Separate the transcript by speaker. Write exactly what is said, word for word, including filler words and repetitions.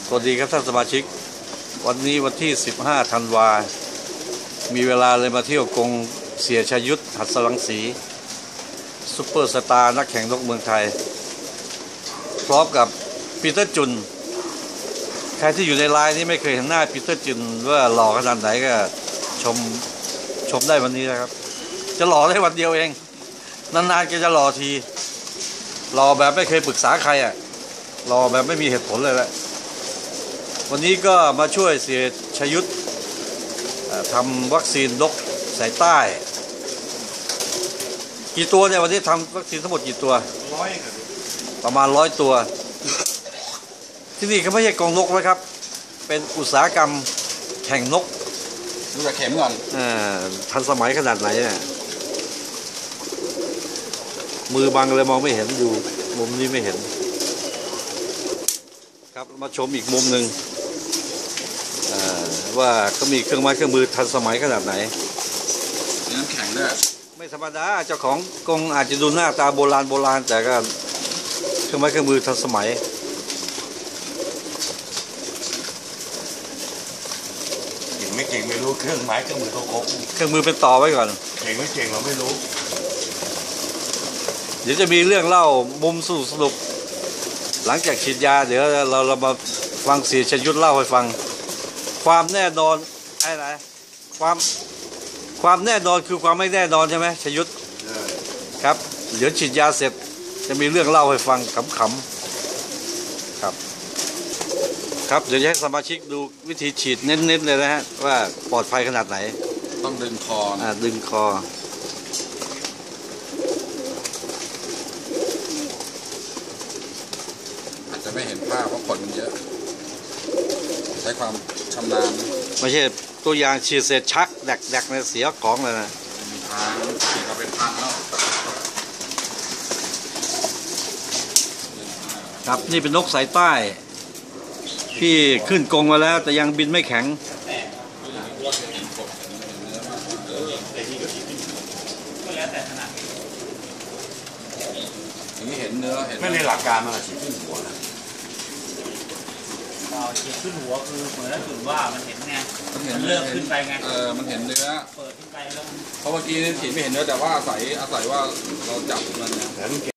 Speaker 1: สวัสดีครับท่านสมาชิกวันนี้วันที่สิบห้าธันวามีเวลาเลยมาเที่ยวกงเสียชยุทธหัสรังสีซุปเปอร์สตาร์นักแข่งนกเมืองไทยพร้อมกับปีเตอร์จุนใครที่อยู่ในไลน์นี้ไม่เคยเห็นหน้าปีเตอร์จุนว่าหล่อขนาดไหนก็ชมชมได้วันนี้นะครับจะหล่อได้วันเดียวเองนานๆแกจะหล่อทีหล่อแบบไม่เคยปรึกษาใครอ่ะหล่อแบบไม่มีเหตุผลเลยแหละวันนี้ก็มาช่วยเสียชยุทธทำวัคซีนนกสายใต้กี่ตัวเนี่ยวันนี้ทำวัคซีนทั้งหมดกี่ตัวร้อยประมาณร้อยตัวที่นี่เขาไม่ใช่กองนกนะครับเป็นอุตสาหกรรมแข่งนก
Speaker 2: ดูจากเข็มก่อน
Speaker 1: อ่าทันสมัยขนาดไหนเนี่ยมือบังเลยมองไม่เห็นอยู่มุมนี้ไม่เห็นครับมาชมอีกมุมหนึ่งว่าเขามีเครื่องไม้เครื่องมือทันสมัยขนาดไหน
Speaker 2: มีน้ำแข็งด้วย
Speaker 1: ไม่ธรรมดาเจ้าของกงอาจจะดูหน้าตาโบราณโบราณแต่ก็เครื่องไม้เครื่องมือทันสมัย
Speaker 2: เก่งไม่เก่งไม่รู้เครื่องไม้เครื่องมือเขาครบ
Speaker 1: เครื่องมือเป็นต่อไว้ก่อน
Speaker 2: เก่งไม่เก่งเราไม่รู้
Speaker 1: เดี๋ยวจะมีเรื่องเล่ามุมสรุปหลังจากฉีดยาเดี๋ยวเราเรามาฟังเสียชยุทธเล่าให้ฟังความแน่นอนอะไรความความแน่นอนคือความไม่แน่นอนใช่ไหมชยุทธครับเดี๋ยวฉีดยาเสร็จจะมีเรื่องเล่าให้ฟังขำๆครับครับเดี๋ยวให้สมาชิกดูวิธีฉีดเน้นๆเลยนะฮะว่าปลอดภัยขนาดไหน
Speaker 2: ต้องดึงคอ
Speaker 1: อ่าดึงคอ
Speaker 2: อาจจะไม่เห็นภาพเพราะขนมันเยอะใช้ความชำนาญ
Speaker 1: ไม่ใช่ตัวอย่างฉีดเสร็จชักแดกๆในเสียของเลยนะ
Speaker 2: มีทางฉีดมาเป็นพันแล้ว
Speaker 1: ครับนี่เป็นนกสายใต้ที่ขึ้นกรงมาแล้วแต่ยังบินไม่แข็ง
Speaker 2: อย่างนี้เห็นเนื้อไม่ในหลักการมันฉีดขึ้นหัวนะ
Speaker 3: ฉีดขึ้นหัวคือเหมือนแล้วจุดว่ามันเห็นไงมันเริ่มขึ้นไปไง
Speaker 2: เออมันเห็นเนื้อ
Speaker 3: เปิดขึ้นไปแล้ว
Speaker 2: เพราะเมื่อกี้ฉีดไม่เห็นเนื้อแต่ว่าอาศัยอาศัยว่าเราจับมันเนี่ย